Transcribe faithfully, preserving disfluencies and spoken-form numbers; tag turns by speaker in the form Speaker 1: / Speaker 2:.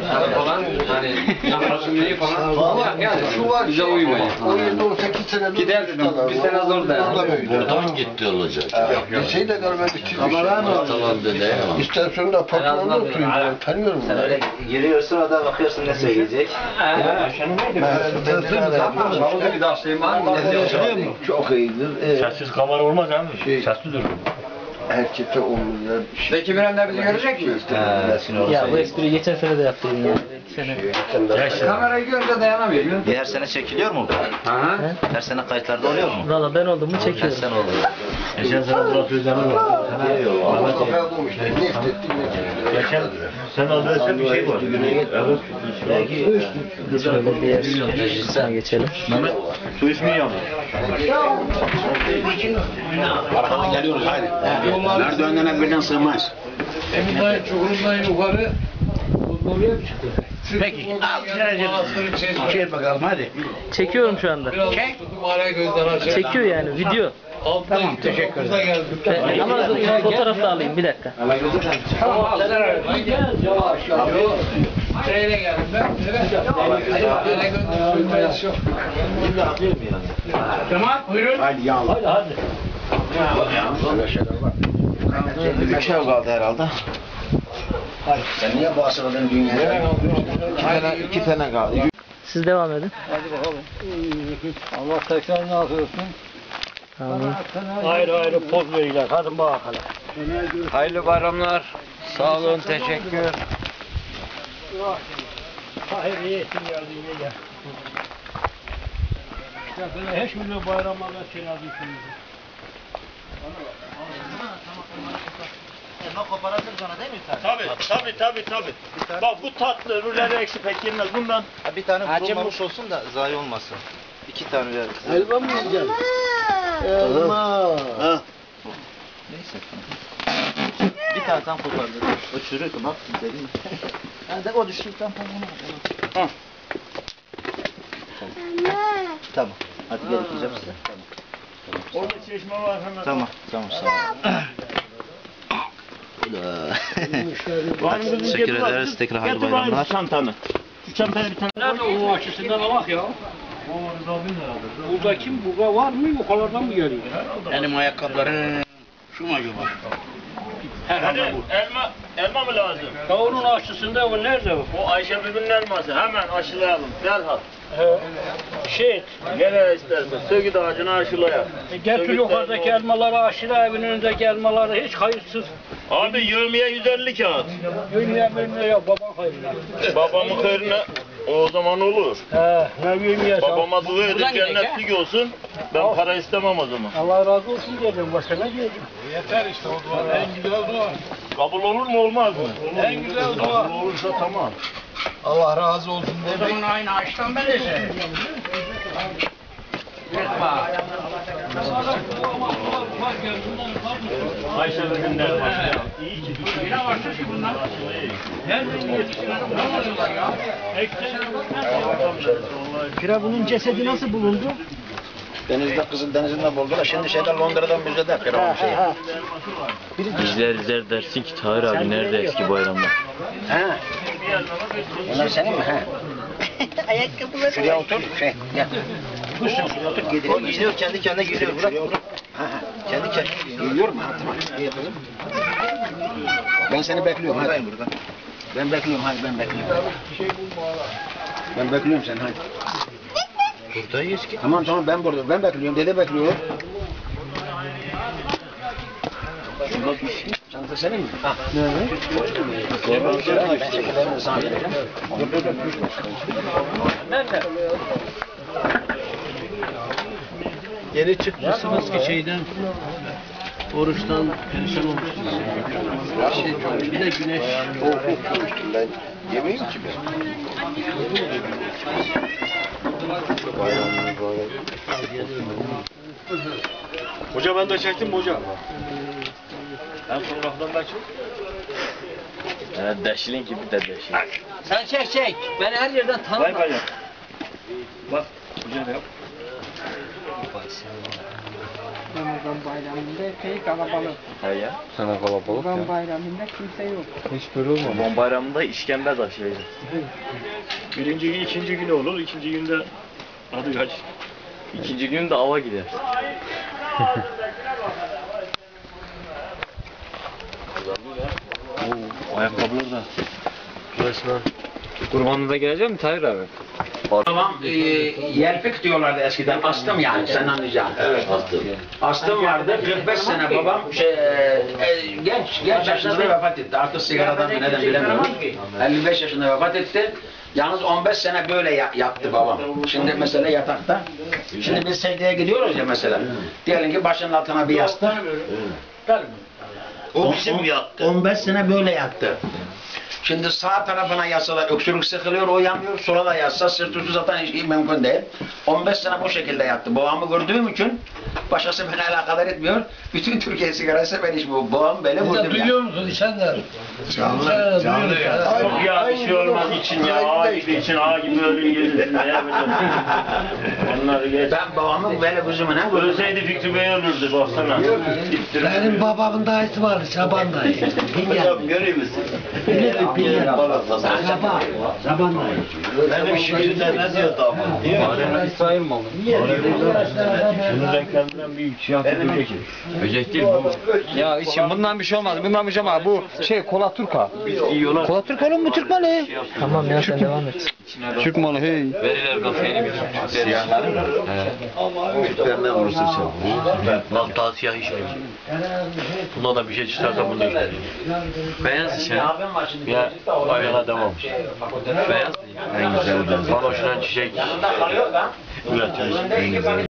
Speaker 1: falan hani fasulyeyi falan ama yani şu var bize uymuyor.
Speaker 2: on yedi on sekiz sene
Speaker 1: giderdim bir sene zor dayandım.
Speaker 3: Buradan gitti olacak.
Speaker 2: Liseyi de görmedik çizmiş.
Speaker 3: Tamam dede.
Speaker 2: İstasyonda patronda oturuyor. Ben tanıyorum.
Speaker 4: Sen öyle giriyorsun orada bakıyorsun ne söyleyecek.
Speaker 2: Çok iyidir.
Speaker 5: Sessiz kamera olmaz abi. Sessiz durur.
Speaker 2: Herkese omuzlar bir şey.
Speaker 1: Zeki Mürenler bizi görecek mi?
Speaker 6: Ya bu espriyi geçen sene de yaptım ya. Sene.
Speaker 1: Kamerayı görünce dayanamıyor.
Speaker 4: Her sene çekiliyor mu bu?
Speaker 1: Aha.
Speaker 4: Her sene kayıtlarda oluyor mu?
Speaker 6: Valla ben oldum mu
Speaker 4: Her
Speaker 6: çekiyorum.
Speaker 4: sene oluyor.
Speaker 5: Geçen sene Murat Özden'in var.
Speaker 2: Ama kafaya bulmuş. Ne istettik ne
Speaker 5: Geçen sen aldıysan bir şey var. Evet.
Speaker 6: Şöyle diğer şuna geçelim.
Speaker 5: Mehmet su ismi yanıyor.
Speaker 3: Arkadan geliyoruz haydi. Merdivenden birden sığmaz.
Speaker 1: Emin'den Çukur'undan yukarı oraya mı çıktı?
Speaker 3: Peki. Al şey bakalım hadi.
Speaker 6: Çekiyorum şu anda.
Speaker 1: Çek. Gözden aşağı.
Speaker 6: Çekiyor yani video.
Speaker 1: Tamam teşekkür ederim.
Speaker 6: E, ama fotoğraf da alayım bir dakika.
Speaker 1: Tamam. Gel yavaş yavaş. Şeyle geldim ben. Evet. Yine gönderdim. Yok. Tamam buyurun.
Speaker 3: Haydi yağlı.
Speaker 5: Hadi hadi.
Speaker 4: Bir şey kaldı herhalde.
Speaker 3: Sen niye bağışladın dünyaya?
Speaker 4: İki tane, iki tane kaldı.
Speaker 6: Siz devam edin.
Speaker 5: Allah tekrar ne yapıyorsun?
Speaker 6: Amin.
Speaker 5: Ayrı ayrı poz verirler. Hadi bakalım.
Speaker 1: Hayırlı bayramlar. Sağ olun teşekkür.
Speaker 5: Hayır iyi ettin geldin iyi gel. Ya böyle hiç milyon bayramlarda şey yazıyorsun.
Speaker 4: Elma koparabilir sana değil mi sen?
Speaker 5: Tabii tabii tabii tabii. Bak bu tatlı öbürleri eksi pek yenmez bundan.
Speaker 4: Ha, bir tane kurulmamış olsun da zayi olmasın. İki tane ver.
Speaker 2: Elma mı yiyeceksin? Elma.
Speaker 4: Neyse. Bir tane tam kopardı. O çürük bak dedim. Yani de o düştükten sonra onu. Tamam. Hadi gel yapacağım size. Tamam.
Speaker 5: Orada çeşme var hemen.
Speaker 4: Tamam. Tamam sağ ol. Teşekkür ederiz. Tekrar hayırlı
Speaker 5: Getir bana
Speaker 4: bayramlar.
Speaker 5: şu çantanı. Şu çantayı bir tane.
Speaker 7: Nerede onun açısından alak ya? Burada kim? Burada var mı? Yukarıdan mı geliyor?
Speaker 3: Benim ayakkabılarım şu mu acaba?
Speaker 5: Hadi elma, elma mı lazım?
Speaker 7: Ya onun aşısında o nerede o?
Speaker 5: O Ayşe Bibi'nin elması. Hemen aşılayalım. Derhal.
Speaker 7: He. Şey,
Speaker 5: Gel istersen. Söğüt ağacını aşılayalım.
Speaker 7: e, getir yukarıdaki elmaları aşıla, evin önündeki elmaları hiç hayırsız.
Speaker 5: Abi yirmiye yüz elli kağıt.
Speaker 7: Yürüye mürüye ya baban hayrına.
Speaker 5: Babamın hayrına o zaman olur.
Speaker 7: He, ne yürüye
Speaker 5: Babama dua edip cennetlik olsun. Ben para istemem o zaman.
Speaker 7: Allah razı olsun diyeceğim, başka ne diyeceğim?
Speaker 1: Yeter işte o dua. En güzel dua.
Speaker 5: Kabul olur mu olmaz mı?
Speaker 1: En güzel dua.
Speaker 5: Kabul olursa tamam.
Speaker 1: Allah razı olsun demeyin aynı açtan ben de şey.
Speaker 5: Ayşe Bibi'nin elması. İyi ki
Speaker 7: Yine başlıyor ki bunlar. Nereden yetiştiler? Bulamadılar ya.
Speaker 5: Firavun'un cesedi nasıl bulundu?
Speaker 3: Denizde Kızıl Denizi'nde buldular. Şimdi şeyden Londra'dan müzede Firavun şeyi.
Speaker 8: İzler izler dersin ki Tahir abi nerede eski bayramlar?
Speaker 3: He. Bunlar senin mi? He.
Speaker 4: Ayakkabıları.
Speaker 3: Şuraya otur. Şey. Gel. Dursun şuraya otur.
Speaker 4: O gidiyor kendi kendine gidiyor. Bırak.
Speaker 3: Ha, ha. Kendi kendine. Geliyor mu? Ha, tamam. İyi kızım. Ben seni bekliyorum. Hadi.
Speaker 4: Buradayım burada.
Speaker 3: Ben bekliyorum. Hadi ben bekliyorum. Ben bekliyorum seni. Hadi.
Speaker 4: Buradayız ki.
Speaker 3: Tamam tamam ben burada. Ben bekliyorum. Dede bekliyor. Çanta senin mi? Ha. Nerede? Ben şekerlerini sana vereceğim. Dur dur dur.
Speaker 7: Nerede?
Speaker 9: Yeni çıkmışsınız ki şeyden, oruçtan perişan olmuşsunuz. Bir de güneş.
Speaker 2: Soğuk okumuştum ben. Yemeyeyim ki ben.
Speaker 5: Hoca ben de çektim mi hoca? Ben fotoğraftan da çek.
Speaker 8: Evet deşilin gibi de deşilin.
Speaker 7: Sen çek çek. Ben her yerden
Speaker 5: Vay
Speaker 7: tanıdım.
Speaker 5: vay. Bak. Hoca da yap.
Speaker 10: Ramazan bayramında epey kalabalık.
Speaker 8: He ya.
Speaker 1: Sana kalabalık
Speaker 10: Kurban bayramında kimse yok.
Speaker 1: Hiç böyle olmadı.
Speaker 8: Kurban bayramında işkembe taşıyacağız.
Speaker 5: Birinci gün, ikinci günü olur. İkinci günde adı kaç?
Speaker 8: İkinci gün de ava gider. Oo, ayakkabılar da.
Speaker 1: Resmen.
Speaker 8: Kurbanına da gelecek mi Tahir abi?
Speaker 3: Babam e, yelpik diyorlardı eskiden. Astım yani sen anlayacaksın. Evet astım. Astım vardı. kırk beş sene babam şey, e, genç genç yaşında da vefat etti. Artık sigaradan mı neden bilemiyorum. elli beş yaşında vefat etti. Yalnız on beş sene böyle ya- yattı babam. Şimdi mesela yatakta. Şimdi biz secdeye gidiyoruz ya mesela. Diyelim ki başının altına bir yastık.
Speaker 5: O bizim yattı.
Speaker 3: on beş sene böyle yattı. Şimdi sağ tarafına yatsalar öksürük sıkılıyor, o yanmıyor. Sola da yatsa sırt üstü zaten hiç mümkün değil. on beş sene bu şekilde yattı. Babamı gördüğüm için başkası beni alakadar etmiyor. Bütün Türkiye sigarası ben içmiyorum. Babam böyle gördüm ya.
Speaker 9: Duyuyor musun İskender?
Speaker 2: Canlı, canlı ya.
Speaker 5: Çok ya bir şey olmaz için ya. Ağa gibi için, ağa gibi ölüm gelirsin. Ne yapacaksın? Onları geç.
Speaker 3: Ben babamı böyle gözümüne gördüm.
Speaker 5: Ölseydi Fikri Bey ölürdü baksana.
Speaker 9: Benim babamın dayısı vardı, Şaban dayı.
Speaker 5: Hocam görüyor musun?
Speaker 9: Bilirim, bilirim. Şaban, Şaban dayı.
Speaker 5: Benim şiirde ne diyor damat?
Speaker 1: İsrail malı.
Speaker 5: Şunun renklerinden bir şey yaptı.
Speaker 8: Böcek değil bu.
Speaker 1: Ya için bundan bir şey olmaz. Bundan bir şey olmaz. Bu şey kola Turka. Kola Turka oğlum, bu Türk malı.
Speaker 6: Tamam ya sen devam et.
Speaker 1: Türk malı hey.
Speaker 8: Verirler kafeini bir Siyahları mı?
Speaker 2: Türklerine vurursun sen.
Speaker 8: Bak daha siyah içmiyor. Buna da bir şey çıkarsa bunu içmiyor. Beyaz içer. Ya ayağına devam. Beyaz.
Speaker 2: En güzel de.
Speaker 8: Baloşuna çiçek.
Speaker 3: Yanında kalıyor da.
Speaker 8: Üretiyoruz.